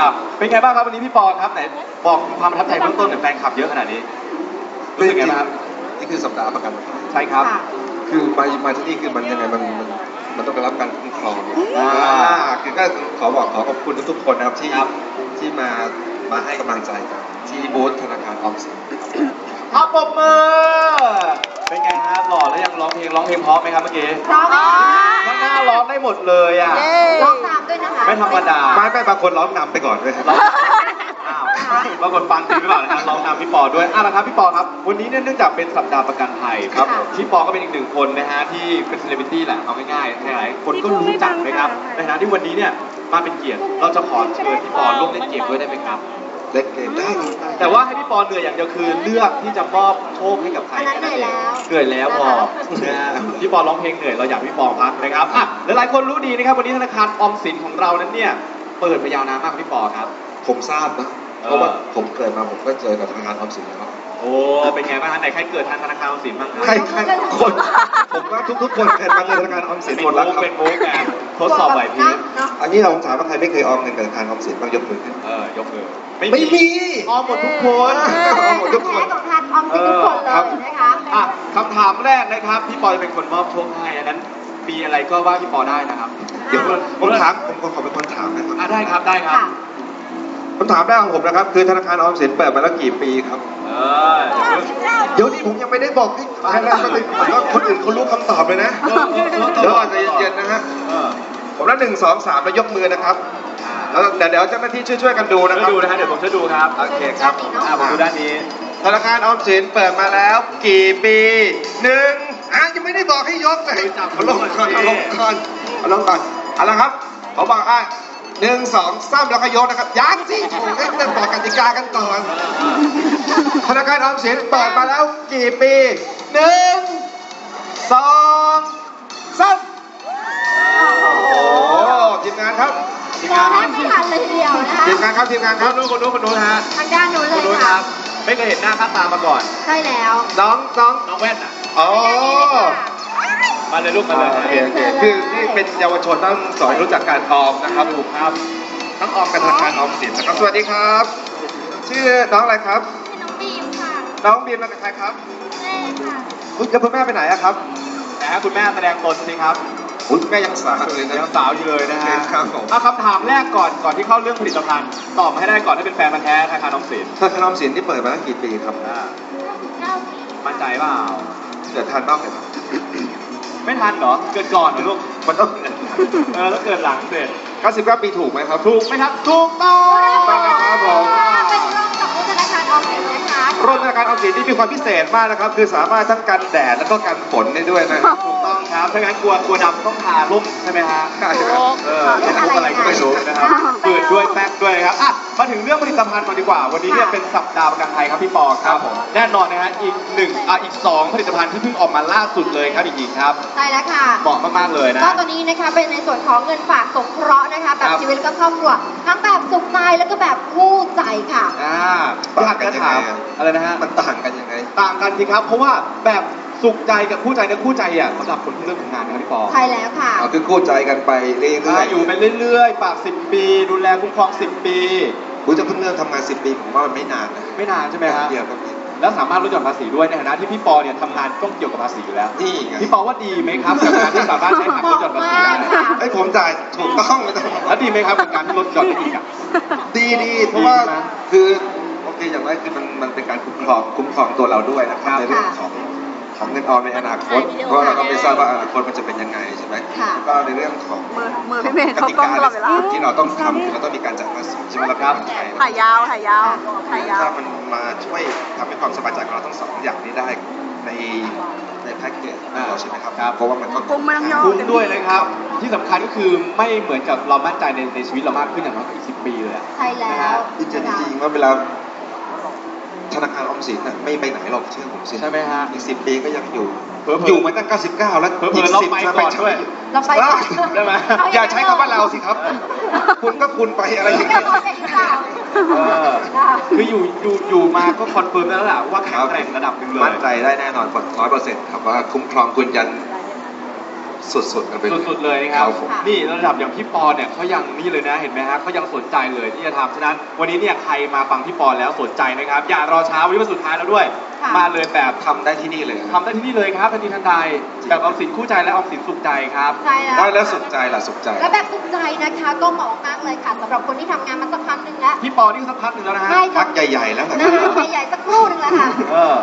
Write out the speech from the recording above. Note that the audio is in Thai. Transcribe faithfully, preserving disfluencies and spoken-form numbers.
เป็นไงบ้างครับวันนี้พี่ปอครับไหนบอกความประทับใจเบื้องต้นหน่อยแฟนคลับเยอะขนาดนี้รู้สึกไงบ้างครับนี่คือสัปดาห์ประกันภัยใช่ครับคือมามาที่นี่คือมันยังไงมันมันมันต้องได้รับการคุ้มครองอ่าคือก็ขอบอกขอขอบคุณทุกๆคนนะครับที่ที่มามาให้กำลังใจกันที่บูธธนาคารออมสินครับปรบมือเป็นไงฮะหล่อแล้วยังร้องเพลงร้องเพลงเพราะไหมครับเมื่อกี้เพราะไหมข้างหน้าร้องได้หมดเลยอ่ะร้องตามด้วยนะคะไม่ธรรมดาไม่ไม่บางคนร้องนำไปก่อนด้วยอ้าวบางคนฟังจริงหรือเปล่านะครับร้องนำพี่ปอด้วยอ่ะนะครับพี่ปอครับวันนี้เนี่ยเนื่องจากเป็นสัปดาห์ประกันภัยครับพี่ปอก็เป็นอีกหนึ่งคนนะฮะที่เป็นเซเลบริตี้แหละเอาง่ายๆหลายๆคนก็รู้จักนะครับในฐานะที่วันนี้เนี่ยมาเป็นเกียรติเราจะขอเชิญพี่ปอร่วมเล่นเกมด้วยได้ไหมครับเล่นเกมได้แต่ว่าให้พี่ปอเหนื่อยอย่างเดียวคือเลือกที่จะมอบโชคให้กับใครเหนื่อยแล้วเหนื่อยแล้วพอนะฮะพี่ปอร้องเพลงเหนื่อยเราอยากพี่ปอพักนะครับอ่ะหลายๆคนรู้ดีนะครับวันนี้ธนาคารออมสินของเรานั้นเนี่ยเปิดมายาวนานมากพี่ปอครับผมทราบนะเพราะว่าผมเกิดมาผมก็เจอกับธนาคารออมสินแล้วโอ้เป็นไงบ้างฮะไหนใครเกิดทันธนาคารออมสินบ้างใครใครคนผมว่าทุกๆคนเกิดมาเจอธนาคารออมสินหมดแล้วครับเป็นโม้แกทดสอบไหวพริบอันนี้เราถามว่าใครไม่เคยออมเงินกับธนาคารออมสินบ้างยกมือขึ้นเออยกมือไม่มีออมหมดทุกคนออมหมดทุกคนของทานออมสินทุกคนเลยนะคะอ่ะคำถามแรกนะครับพี่ปอจะเป็นคนมอบโชคให้อันนั้นมีอะไรก็ว่าพี่ปอได้นะครับเดี๋ยวผมถามผมขอเป็นคนถามนะครับได้ครับได้ครับคำถามแรกของผมนะครับคือธนาคารออมสินเปิดมาแล้วกี่ปีครับเดี๋ยวนี้ผมยังไม่ได้บอกที่ใครแล้วก็เลยผมว่าคนอื่นเขารู้คำตอบเลยนะเดี๋ยวอาจจะเย็นๆนะฮะผมนับหนึ่งสองสามแล้วยกมือนะครับแล้วเดี๋ยวเดี๋ยวเจ้าหน้าที่ช่วยๆกันดูนะครับดูนะฮะเดี๋ยวผมจะดูครับโอเคครับผมดูด้านนี้ธนาคารออมสินเปิดมาแล้วกี่ปีหนึ่งอ่ะยังไม่ได้บอกให้ยกเลยเอาลงก่อนเอาลงก่อนเอาลงก่อนเอาละครับเขาบอกอ่ะหนึ่งสองสามแล้วก็ยกนะครับยังสิผมให้เริ่มบอกกติกากันก่อนธนาคารออมสินเปิดมาแล้วกี่ปีหนึ่งสองสามโอ้ทีมงานครับทีมงานไม่ทันเลยทีเดียวนะคะทีมงานครับทีมงานครับนู้นคนนู้นคนนู้นฮะทางด้านนู้นเลยค่ะไม่เคยเห็นหน้าค่าตามาก่อนใช่แล้วน้องน้องน้องแว่นอ่ะอ๋อมาเลยลูกมาเลยคือนี่เป็นเยาวชนต้องสอนรู้จักการออมนะครับถูกครับต้องออมกับธนาคารออมสินนะครับสวัสดีครับชื่อน้องอะไรครับน้องบีมค่ะน้องบีมเป็นใครครับแม่ค่ะคุณจะคุณแม่ไปไหนอะครับนะคุณแม่แสดงตนสิครับคุณแม่ยังสาวเลยนะยังสาวอยู่เลยนะฮะครับผมเอาคำถามแรกก่อนก่อนที่เข้าเรื่องผลิตภัณฑ์ตอบมาให้ได้ก่อนถ้าเป็นแฟนพันธุ์แท้ธนาคารออมสินธนาคารออมสินที่เปิดมาตั้งกี่ปีครับเก้าปีมั่นใจเปล่าเกิดทันบ้างไหมครับไม่ทันเหรอเกิดก่อนเหรอลูกมันต้องเออแล้วเกิดหลังเสร็จเก้าสิบเก้าปีถูกไหมครับถูกไหมครับถูกต้องต้องครับผมเป็นร่วมกับธนาคารออมสินนะคะร่วมธนาคารออมสินที่มีความพิเศษมากนะครับคือสามารถทั้งกันแดดแล้วก็กันฝนได้ด้วยนะถูกต้องครับถ้างั้นกลัวกลัวดำต้องทาร่มใช่ไหมฮะใช่ครับเออเป็นอะไรก็ไม่รู้นะครับฝืดด้วยแป๊กด้วยครับอ่ะมาถึงเรื่องผลิตภัณฑ์ก่อนดีกว่าวันนี้เนี่ยเป็นสัปดาห์ประกันภัยครับพี่ปอครับผมแน่นอนนะฮะอีกหนึ่งอ่ะอีกสองผลิตภัณฑ์ที่เพิ่งออกมาล่าสุดเลยครับอีกทีครับใช่แล้วค่ะเหมาะมากๆเลยนะก็ตัวนี้นะคะเป็นในส่วนของเงินฝากสงเคราะห์นะคะแบบชีวิตและก็ครอบครัวทั้งแบบสุขใจแล้วก็แบบคู่ใจค่ะอ่าอยากจะถามอะไรนะฮะมันต่างกันยังไงต่างกันสิครับเพราะว่าแบบสุขใจกับคู่ใจเนี่ยคู่ใจอ่ะสำหรับคนที่เริ่มทำงานนะครับพี่ปอใช่แล้วค่ะอ๋อคือคู่ใจกันไปเรื่อยๆอยู่ไปเรื่อยๆฝากสิบปีดูแลคุ้มครองสิบปีคุณจะเพิ่งเริ่มทำงานสิบปีผมว่ามันไม่นานนะไม่นานใช่ไหมฮะเดียวครับแล้วสามารถลดหย่อนภาษีด้วยในฐานะที่พี่ปอเนี่ยทำงานต้องเกี่ยวกับภาษีอยู่แล้วนี่พี่ปอว่าดีไหมครับกับการที่สามารถใช้หักลดหย่อนภาษีได้ไอ้ผมจ่ายถูกต้องไม่ต้องแล้วดีไหมครับกับการที่ลดหย่อนได้อีกอ่ะดีดีเพราะว่าคือโอเคอย่างแรกคือมันมันเป็นการคุ้มครองคุ้มครองตัวเราด้วยนะครับในเรื่องของของเงินออมในอนาคตเพราะเราก็ไม่ทราบว่าอนาคตมันจะเป็นยังไงใช่ไหมก็ในเรื่องของกติกาที่เราต้องทำคือเราต้องมีการจ่ายภาษีใช่ไหมครับถ่ายยาวถ่ายยาวถ่ายยาวถ้ามันมาช่วยทำให้ความสบายใจของเราทั้งสองอย่างนี้ได้ในในแพ็กเกจเราใช่ไหมครับเพราะว่ามันก็คุ้มมันคุ้มด้วยนะครับที่สำคัญก็คือไม่เหมือนกับเรามั่นใจในในชีวิตเรามากขึ้นอย่างน้อยก็อีกสิบปีเลยใช่แล้วจริงๆว่าเวลาธนาคารออมสินน่ะไม่ไปไหนหรอกเชื่อผมสิใช่ไหมฮะอีกสิบปีก็ยังอยู่อยู่มาตั้งเก้าสิบเก้าแล้วเพิ่มเราไปก่อนด้วยเราไปก่อนใช่ไหมอย่าใช้คำว่าเราสิครับคุณก็คุณไปอะไรอย่างเงี้ยคืออยู่อยู่อยู่มาก็คอนเฟิร์มแล้วแหละว่าแข็งแกร่งระดับหนึ่งเลยมั่นใจได้แน่นอนกว่าร้อยเปอร์เซ็นต์ครับว่าคุ้มครองคุณยันสุดๆกันไปเลยสุดๆเลยนะครับครับผมนี่ระดับอย่างพี่ปอเนี่ยเขายังนี่เลยนะเห็นไหมฮะเขายังสนใจเลยที่จะทำฉะนั้นวันนี้เนี่ยใครมาฟังพี่ปอแล้วสนใจนะครับ อย่ารอช้าวันนี้วันสุดท้ายแล้วด้วยค่ะมาเลยแบบทำได้ที่นี่เลยทำได้ที่นี่เลยครับทันทีทันใดแบบออมสินคู่ใจและออมสินสุขใจครับใช่แล้วได้แล้วสุขใจล่ะสุขใจและแบบสุขใจนะคะก็เหมาะมากเลยค่ะสำหรับคนที่ทำงานมาสักพักหนึ่งแล้วพี่ปอนี่สักพักหนึ่งแล้วนะฮะใช่พักใหญ่ๆแล้วนะนะคะใหญ่ๆสักครู่หนึ่งแล้วค่ะเออ